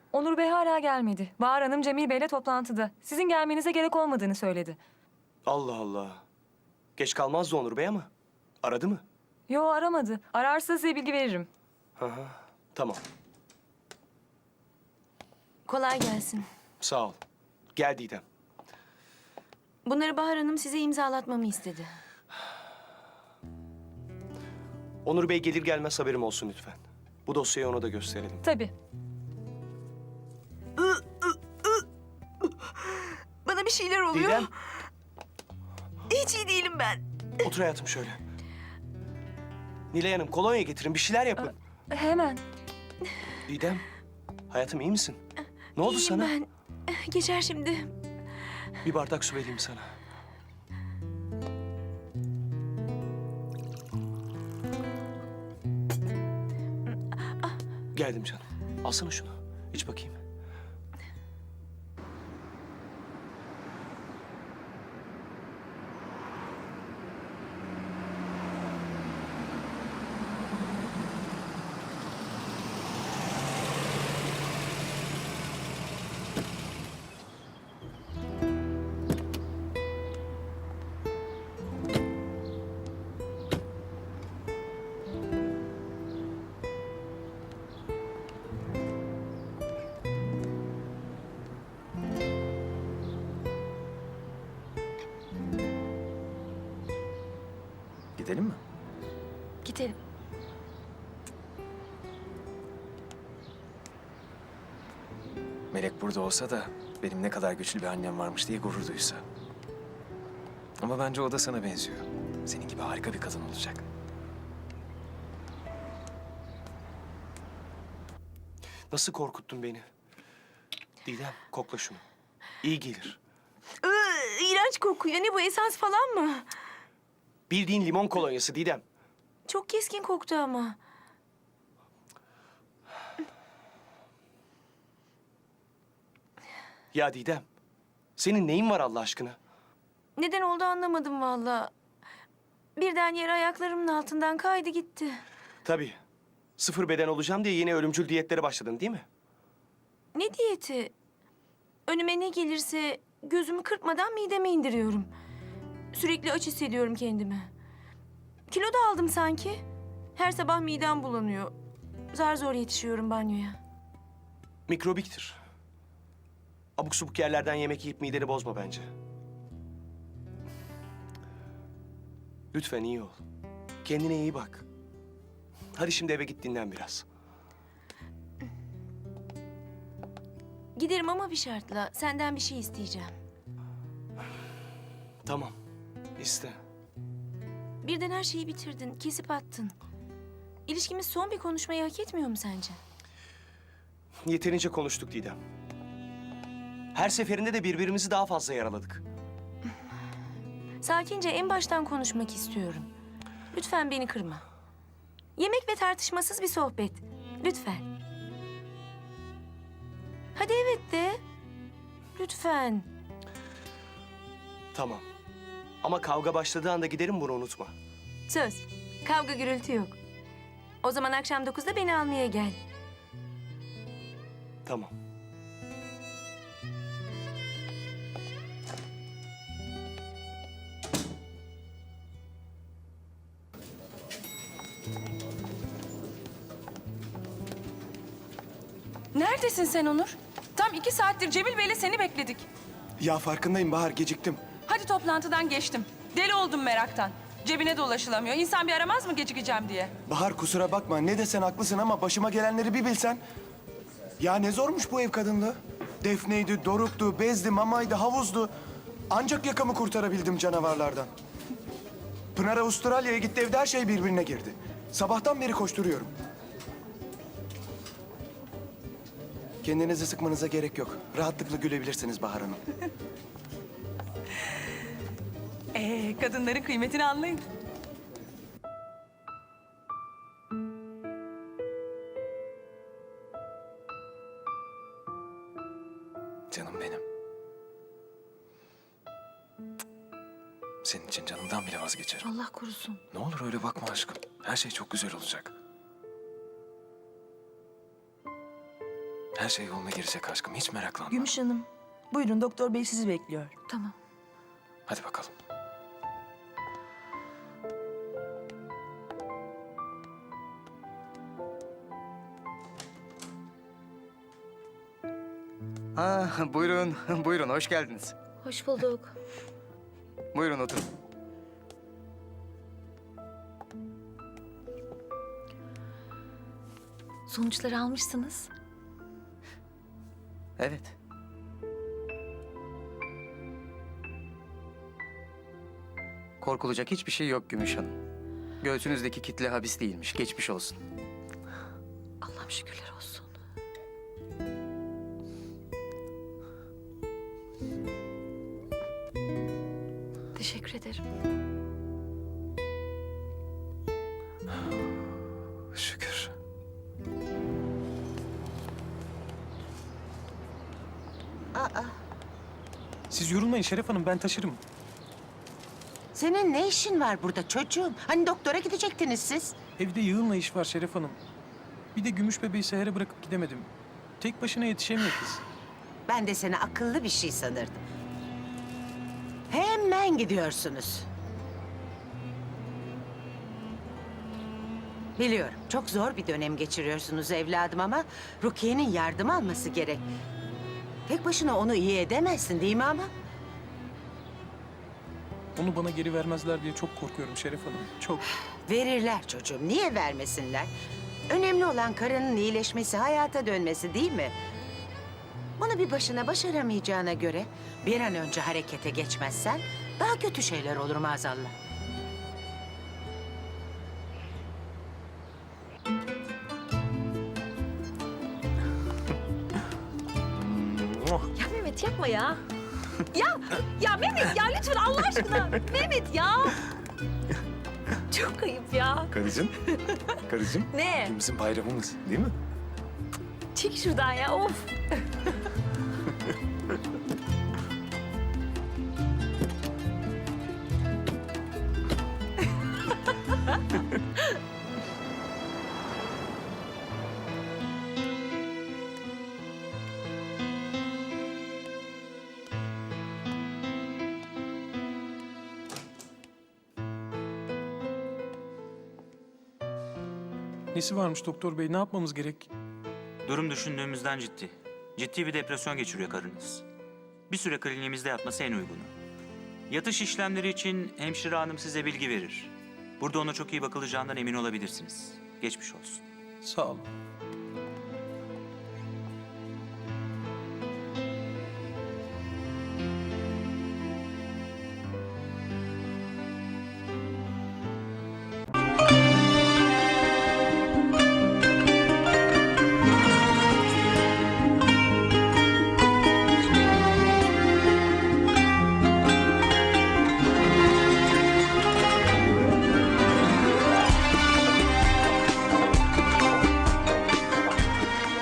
Onur Bey hala gelmedi. Bahar Hanım Cemil Bey'le toplantıda. Sizin gelmenize gerek olmadığını söyledi. Allah Allah. Geç kalmazdı Onur Bey ama. Aradı mı? Yo, aramadı. Ararsa size bilgi veririm. Hı hı. Tamam. Kolay gelsin. Sağ ol. Gel Didem. Bunları Bahar Hanım size imzalatmamı istedi. Onur Bey gelir gelmez haberim olsun lütfen. Bu dosyayı ona da gösterelim. Tabii. Bana bir şeyler oluyor. Didem. Hiç iyi değilim ben. Otur hayatım şöyle. Nilay Hanım kolonya getirin bir şeyler yapın. Hemen. Didem. Hayatım iyi misin? Ne oldu İyiyim sana? ben. Geçer şimdi. Bir bardak su vereyim sana. Geldim canım. Alsana şunu. İç bakayım. Gidelim mi? Gidelim. Melek burada olsa da benim ne kadar güçlü bir annem varmış diye gurur duysa. Ama bence o da sana benziyor. Senin gibi harika bir kadın olacak. Nasıl korkuttun beni? Didem kokla şunu. İyi gelir. İğrenç kokuyor. Ne bu, esans falan mı? Bildiğin limon kolonyası Didem. Çok keskin koktu ama. Ya Didem. Senin neyin var Allah aşkına? Neden oldu anlamadım vallahi. Birden yere ayaklarımın altından kaydı gitti. Tabii. Sıfır beden olacağım diye yeni ölümcül diyetlere başladın değil mi? Ne diyeti? Önüme ne gelirse gözümü kırpmadan mideme indiriyorum. Sürekli aç hissediyorum kendimi. Kilo da aldım sanki. Her sabah midem bulanıyor. Zar zor yetişiyorum banyoya. Mikrobiktir. Abuk subuk yerlerden yemek yiyip mideni bozma bence. Lütfen iyi ol. Kendine iyi bak. Hadi şimdi eve git dinlen biraz. Giderim ama bir şartla. Senden bir şey isteyeceğim. Tamam. İste. Birden her şeyi bitirdin, kesip attın. İlişkimiz son bir konuşmayı hak etmiyor mu sence? Yeterince konuştuk Didem. Her seferinde de birbirimizi daha fazla yaraladık. Sakince en baştan konuşmak istiyorum. Lütfen beni kırma. Yemek ve tartışmasız bir sohbet. Lütfen. Hadi evet de. Lütfen. Tamam. Ama kavga başladığı anda giderim, bunu unutma. Söz. Kavga gürültü yok. O zaman akşam 9'da beni almaya gel. Tamam. Neredesin sen Onur? Tam 2 saattir Cemil Bey'le seni bekledik. Ya farkındayım Bahar, geciktim. Hadi toplantıdan geçtim. Deli oldum meraktan. Cebine de ulaşılamıyor. İnsan bir aramaz mı gecikeceğim diye? Bahar kusura bakma, ne desen haklısın ama başıma gelenleri bir bilsen. Ya ne zormuş bu ev kadınlığı. Defneydi, Doruk'tu, Bezdi, Mamay'dı, havuzdu. Ancak yakamı kurtarabildim canavarlardan. Pınar Avustralya'ya gitti, evde her şey birbirine girdi. Sabahtan beri koşturuyorum. Kendinizi sıkmanıza gerek yok. Rahatlıkla gülebilirsiniz Bahar Hanım. Kadınların kıymetini anlayın. Canım benim. Senin için canımdan bile vazgeçerim. Allah korusun. Ne olur öyle bakma aşkım. Her şey çok güzel olacak. Her şey yoluna girecek aşkım. Hiç meraklanma. Gümüş Hanım, buyurun doktor bey sizi bekliyor. Tamam. Hadi bakalım. Buyurun, buyurun. Hoş geldiniz. Hoş bulduk. Buyurun oturun. Sonuçları almışsınız. Evet. Korkulacak hiçbir şey yok Gümüş Hanım. Göğsünüzdeki kitle habis değilmiş. Geçmiş olsun. Allah'ım şükürler olsun. Teşekkür ederim. Şükür. Siz yorulmayın Şeref Hanım, ben taşırım. Senin ne işin var burada çocuğum? Hani doktora gidecektiniz siz? Evde yığınla iş var Şeref Hanım. Bir de gümüş bebeği sehere bırakıp gidemedim. Tek başına yetişemiyor kız. Ben de seni akıllı bir şey sanırdım. Hemen gidiyorsunuz. Biliyorum, çok zor bir dönem geçiriyorsunuz evladım ama Rukiye'nin yardım alması gerek. Tek başına onu iyi edemezsin değil mi ama? Onu bana geri vermezler diye çok korkuyorum Şeref Hanım. Çok. Verirler çocuğum, niye vermesinler? Önemli olan karının iyileşmesi, hayata dönmesi değil mi? Bunu bir başına başaramayacağına göre bir an önce harekete geçmezsen daha kötü şeyler olur maazallah. Ya Mehmet yapma ya. ya Mehmet ya lütfen Allah aşkına. Mehmet ya. Çok ayıp ya. Karıcığım. Karıcığım. Ne? Bizim bayramımız değil mi? Çek şuradan ya of. Nesi varmış doktor bey? Ne yapmamız gerek? Durum düşündüğümüzden ciddi. Ciddi bir depresyon geçiriyor karınız. Bir süre kliniğimizde yatması en uygunu. Yatış işlemleri için hemşire hanım size bilgi verir. Burada ona çok iyi bakılacağından emin olabilirsiniz. Geçmiş olsun. Sağ olun.